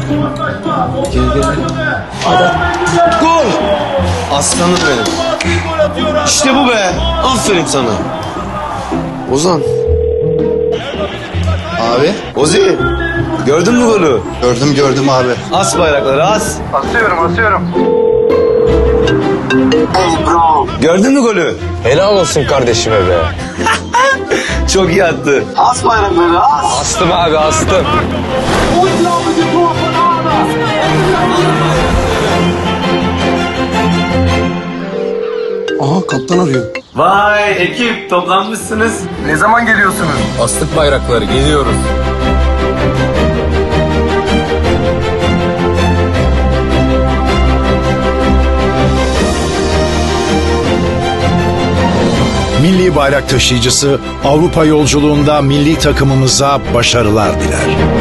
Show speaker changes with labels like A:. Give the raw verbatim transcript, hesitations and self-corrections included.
A: Gel gel. Adam. Gol! Aslanım benim. İşte bu be. Aferin sana. Ozan.
B: Abi.
A: Ozi. Gördün mü golü?
B: Gördüm gördüm abi.
A: As bayrakları as.
B: Asıyorum asıyorum.
A: Gördün mü golü?
C: Helal olsun kardeşime be.
A: Çok iyi attı. As bayrakları as.
C: Astım abi astım.
B: Aha kaptan arıyor.
A: Vay ekip toplanmışsınız.
B: Ne zaman geliyorsunuz?
C: Astık bayrakları geliyoruz.
D: Milli bayrak taşıyıcısı Avrupa yolculuğunda milli takımımıza başarılar diler.